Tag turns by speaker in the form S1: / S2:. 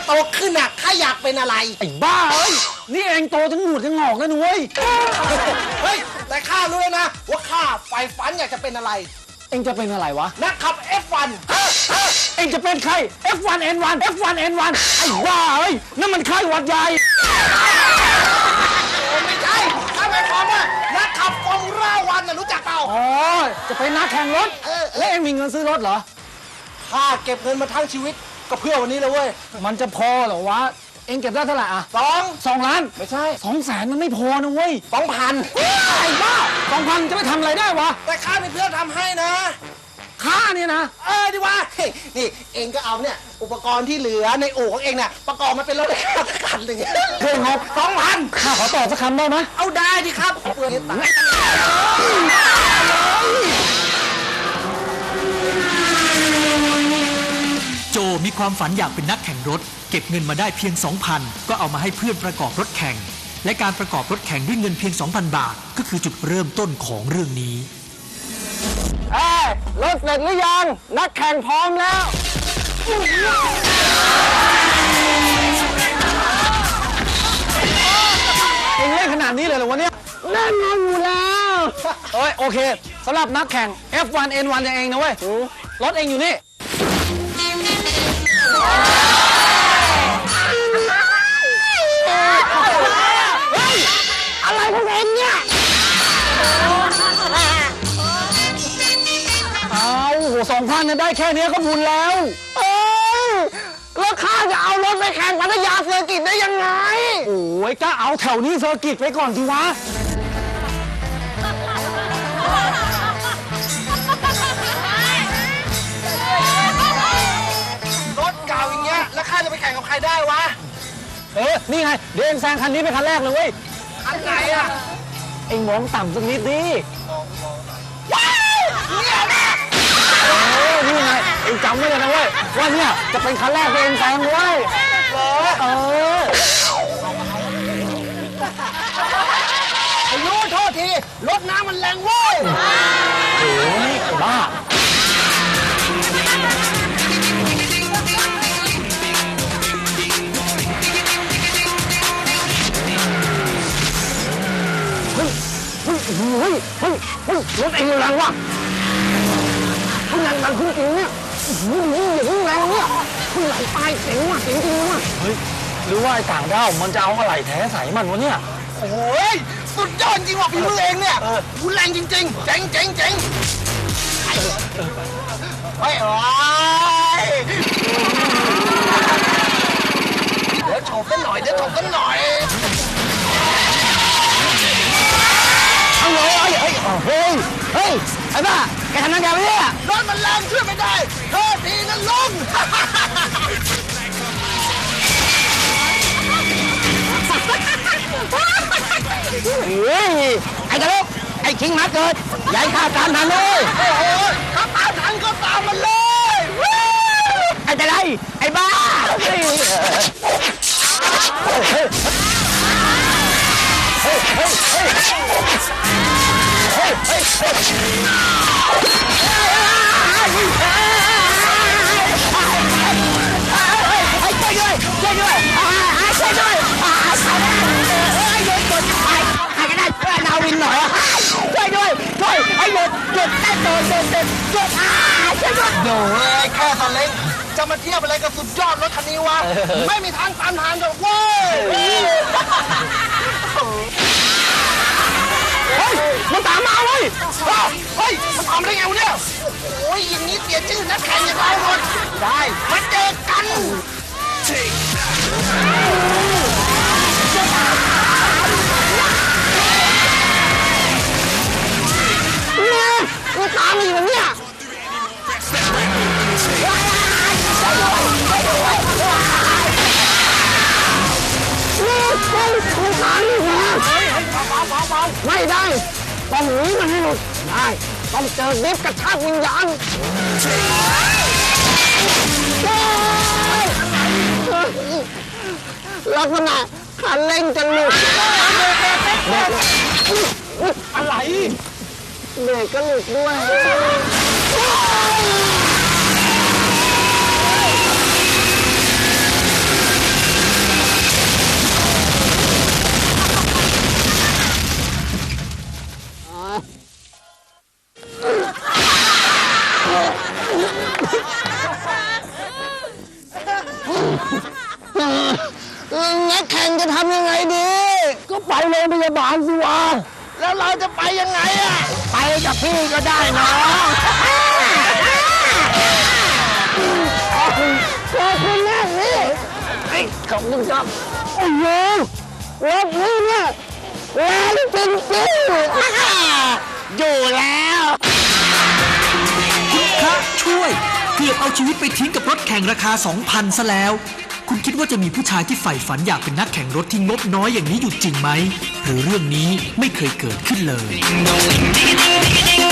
S1: โตขึ้นน่ะข้าอยากเป็นอะไร
S2: ไอ้บ้าเอ้ยนี่เองโตทั้งหนวดทั้งงอกแล้วนุ้ย
S1: เฮ้ยแต่ข้ารู้แล้วนะว่าข้าใฝ่ฝันอยากจะเป็นอะไร
S2: เองจะเป็นอะไรวะ
S1: นักขับ F1
S2: เองจะเป็นใคร F1N1 F1N1 ไอ้บ้าเอ้ยนั่นมันไข้หวัดใหญ่
S1: ไม่ใช่ข้าหมายความว่านักขับฟอร์มูล่าวันน่ะรู้จักเปล่า
S2: อ๋อจะเป็นนักแข่งรถแล้วเองมีเงินซื้อรถเหรอ
S1: ข้าเก็บเงินมาทั้งชีวิตก็เพื่อวันนี้เลยเว้ย
S2: มันจะพอเหรอวะเองเก็บได้เท่าไหร่อ่ะ2 ล้าน
S1: ไม่ใช่
S2: 200,000มันไม่พอนะเว้ย
S1: 2,000
S2: ไอ้บ้า2,000จะไปทำอะไรได้วะ
S1: แต่ข้าเป็นเพื่อนทำให้นะ
S2: ข้าเนี่ยนะ
S1: ดีวะนี่เองก็เอาเนี่ยอุปกรณ์ที่เหลือในอู่ของเองเนี่ยประกอบมาเป็นรถคันหนึ่ง
S2: เพื่อนครับ2,000ข้าขอต่อสักคำได้ไหม
S1: เอาได้ดิครับเพื่อนตาย
S3: โจมีความฝันอยากเป็นนักแข่งรถเก็บเงินมาได้เพียง 2,000 ก็เอามาให้เพื่อนประกอบรถแข่งและการประกอบรถแข่งด้วยเงินเพียง 2,000 บาทก็คือจุดเริ่มต้นของเรื่องนี้
S2: รถเสร็จหรือยังนักแข่งพร้อมแล้วเองเล่นขนาดนี้เลยเหรอวะเนี่ยแน่นอนอยู่แล้วโอเคสำหรับนักแข่ง F1N1 อย่างเองนะเว้ยรถเองอยู่นี่อะไรพวกเองเนี่ย2,000เนี่ยได้แค่นี้ก็บุญแล้วแล้วข้าจะเอารถไปแข่งพัทยาเซอร์กิตได้ยังไงโอ้ยก็เอาแถวนี้เซอร์กิตไปก่อนสิวะ
S1: รถเก่าอย่างเงี้ยแล้วข้าจะไปแข่งกับใครได้วะ
S2: นี่ไงเดี๋ยวเองแซงคันนี้เป็นคันแรกเลยเว้ย
S1: คันไหนอ่ะ
S2: เองมองต่ำสักนิดดิ
S1: เนี่ยนะ
S2: นี่ไงเองจำไว้เลยนะเว้ยว่าเนี่ยจะเป็นคันแรกที่เองแซงเว้ย
S1: อายุโทษทีรถน้ำมันแรงเว้ย
S2: โอ้ยบ้ารถเองแรงว่ะคุณแรงดันคุณจริงเนี่ยอย่างแรงเนี่ยคุณไหลตายเสียงว่ะเสียงจริงว่ะเฮ้ยหรือว่าไอ้ต่างดาวมันจะเอาอะไรแท้ใส่มันวะเนี่ย
S1: โอ้ยสุดยอดจริงว่ะพี่มือเองเนี่ยคุณแรงจริงๆเจ๋งเฮ้ยเดี๋ยวโฉบกันหน่อย
S2: เฮ้ยไอ้บ้าแกทำนั่นแกไม่ได้อะ
S1: รถมันแรงช่วยไม่ได้โทษทีนะลุง
S2: ไอ้ตะลุกไอ้คิงมาเกิดใหญ่ข้าตามทันเลย
S1: ถ้าตามทันก็ตามมันเลย
S2: ไอ้ตะไลไอ้บ้า
S1: โอ้ยแค่คันเล็กจะมาเทียบอะไรกับสุดยอดรถคันนี้วะไม่มีทางตามทันหรอกเว้ย
S2: มันตามมาเว้ย
S1: มันตามได้ไงวะเนี่ยโอ้ยอย่างนี้เสียชื่อนักแข่งอย่างเราหมดได้มาเจอกัน
S2: มันตามมาอยู่เนี่ยไม่ได้ต้องหนีมันให้หมดได้ต้องเจอลิฟต์กระชากวิญญาณลักษณะคันเร่งจะหลุด
S1: อะไร
S2: เบรกก็หลุดด้วยก็ไปโรงพยาบาลสิวะ
S1: แล้วเราจะไปยังไงอะ
S2: ไปกับพี่ก็ได้น้องขอบคุณมากพี่ขอบคุณครับโอ้โหรถนี้เนี่ยแรงจริงๆอยู่แล้ว
S3: คุณพระช่วยเกือบเอาชีวิตไปทิ้งกับรถแข่งราคา 2,000 ซะแล้ว คุณคิดว่าจะมีผู้ชายที่ใฝ่ฝันอยากเป็นนักแข่งรถที่งบน้อยอย่างนี้อยู่จริงไหมหรือเรื่องนี้ไม่เคยเกิดขึ้นเลย